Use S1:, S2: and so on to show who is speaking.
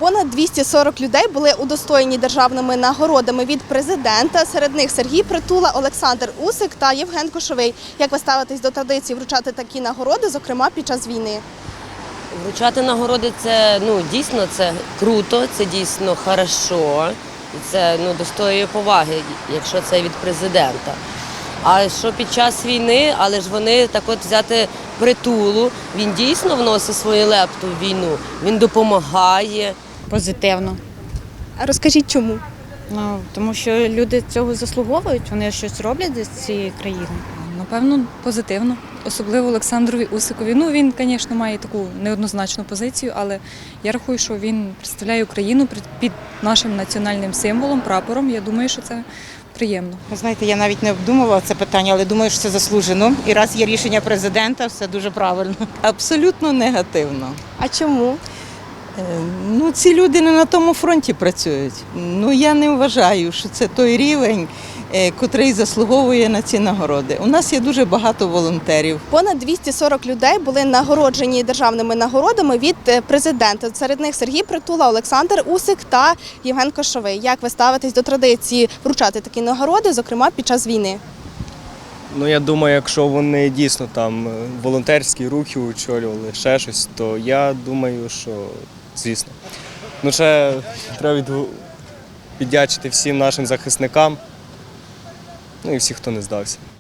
S1: Понад 240 людей були удостоєні державними нагородами від президента. Серед них Сергій Притула, Олександр Усик та Євген Кошовий. Як ви ставитесь до традиції вручати такі нагороди, зокрема під час війни?
S2: Вручати нагороди – це дійсно це круто, це дійсно хорошо. І це достоює поваги, якщо це від президента. А що під час війни, але ж вони так от взяти Притулу, він дійсно вносить свою лепту в війну, він допомагає.
S3: Позитивно.
S1: А розкажіть, чому?
S3: Тому що люди цього заслуговують, вони щось роблять для цієї країни.
S4: Напевно, позитивно. Особливо Олександрові Усикові. Він, звісно, має таку неоднозначну позицію, але я рахую, що він представляє Україну під нашим національним символом, прапором. Я думаю, що це приємно.
S5: Ви знаєте, я навіть не обдумувала це питання, але думаю, що це заслужено. І раз є рішення президента, все дуже правильно.
S6: Абсолютно негативно.
S1: А чому?
S6: Ці люди не на тому фронті працюють. Я не вважаю, що це той рівень, котрий заслуговує на ці нагороди. У нас є дуже багато волонтерів.
S1: Понад 240 людей були нагороджені державними нагородами від президента. Серед них Сергій Притула, Олександр Усик та Євген Кошовий. Як ви ставитесь до традиції вручати такі нагороди, зокрема під час війни?
S7: Я думаю, якщо вони дійсно там волонтерські рухи очолювали, ще щось, то я думаю, що звісно. Ще треба віддячити всім нашим захисникам, і всіх, хто не здався.